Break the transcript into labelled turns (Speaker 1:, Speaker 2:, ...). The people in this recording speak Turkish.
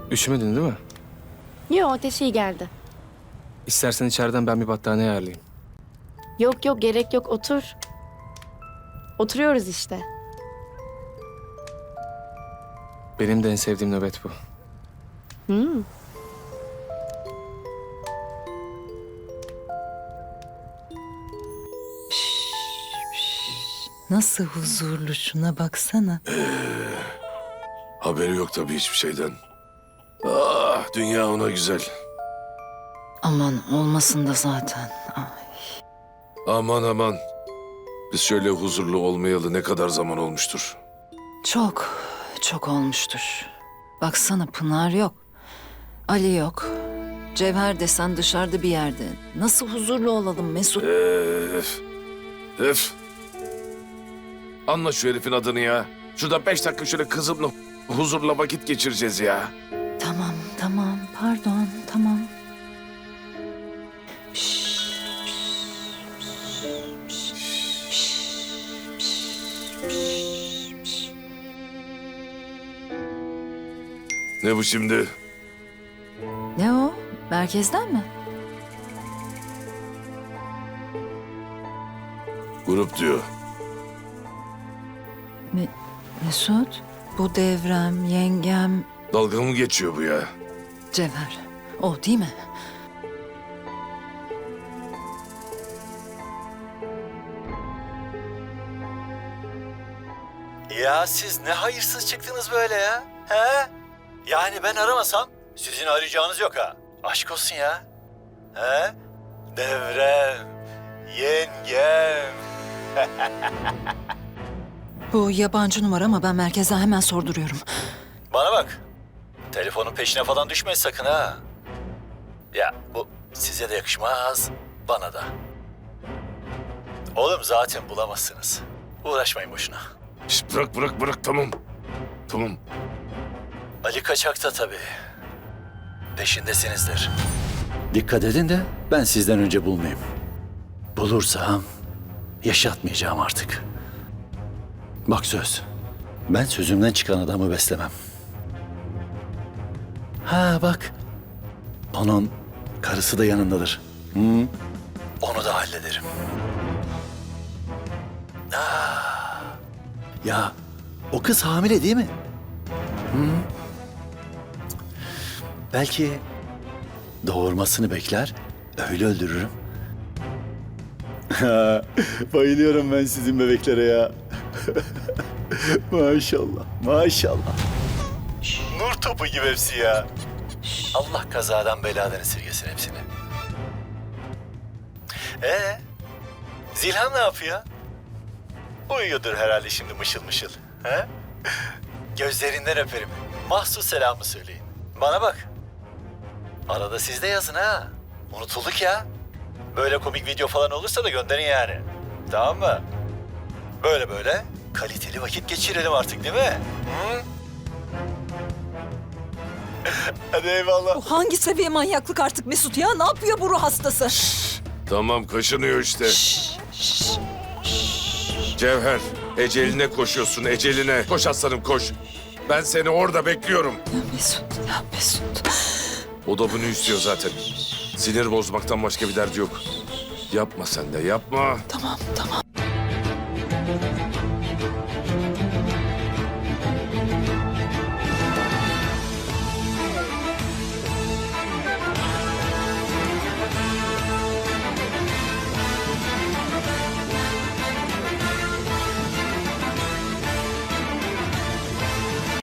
Speaker 1: Üşümedin değil mi?
Speaker 2: Yo, ateşi iyi geldi.
Speaker 1: İstersen içeriden ben bir battaniye ayarlayayım.
Speaker 2: Yok yok, gerek yok, otur. Oturuyoruz işte.
Speaker 1: Benim de en sevdiğim nöbet bu.
Speaker 2: Hmm.
Speaker 3: Nasıl huzurlu, şuna baksana.
Speaker 4: Haberi yok tabii hiçbir şeyden. Ah, dünya ona güzel.
Speaker 3: Aman olmasın da zaten. Ay.
Speaker 4: Aman aman. Biz şöyle huzurlu olmayalı ne kadar zaman olmuştur.
Speaker 3: Çok olmuştur. Baksana, Pınar yok. Ali yok. Cevher desen dışarıda bir yerde. Nasıl huzurlu olalım Mesut?
Speaker 4: Öf. Öf. Anla şu herifin adını ya. Şurada 5 dakika şöyle kızımla huzurla vakit geçireceğiz ya.
Speaker 3: Tamam, pardon, tamam.
Speaker 4: Ne bu şimdi?
Speaker 3: Ne o? Merkezden mi?
Speaker 4: Grup diyor.
Speaker 3: Mesut, bu Devrem, yengem,
Speaker 4: Dalga mı geçiyor bu ya?
Speaker 3: Cevher. O değil mi?
Speaker 5: Ya siz ne hayırsız çıktınız böyle ya? He? Yani ben aramasam sizin arayacağınız yok ha. Aşk olsun ya. He? Devrem, yengem.
Speaker 3: Bu yabancı numara ama ben merkezden hemen sorduruyorum.
Speaker 5: Bana bak. Telefonun peşine falan düşmeyin sakın ha. Ya bu size de yakışmaz, bana da. Oğlum zaten bulamazsınız. Uğraşmayın boşuna.
Speaker 4: Şişt, bırak tamam. Tamam.
Speaker 5: Ali kaçakta tabii. Peşindesinizdir.
Speaker 6: Dikkat edin de ben sizden önce bulmayayım. Bulursam yaşatmayacağım artık. Bak söz, ben sözümden çıkan adamı beslemem. Ha bak, onun karısı da yanındadır.
Speaker 5: Onu da hallederim.
Speaker 6: Ya o kız hamile değil mi? Belki doğurmasını bekler, öyle öldürürüm. Bayılıyorum ben sizin bebeklere ya. Maşallah.
Speaker 5: Nur topu gibi hepsi ya. Allah kazadan beladan esirgesin hepsini. Zilhan ne yapıyor? Uyuyordur herhalde şimdi mışıl mışıl. He? Gözlerinden öperim. Mahsus selamı söyleyin. Bana bak. Arada siz de yazın ha. Unutulduk ya. Böyle komik video falan olursa da gönderin yani. Tamam mı? Böyle kaliteli vakit geçirelim artık değil mi? Hı? Hadi eyvallah.
Speaker 3: Bu hangi seviye manyaklık artık Mesut ya? Ne yapıyor bu ruh hastası?
Speaker 4: Tamam kaşınıyor işte. Cevher, eceline koşuyorsun, eceline. Koş aslanım koş. Ben seni orada bekliyorum.
Speaker 3: Ya Mesut.
Speaker 4: O da bunu istiyor zaten. Sinir bozmaktan başka bir derdi yok. Yapma sen de, yapma.
Speaker 3: Tamam.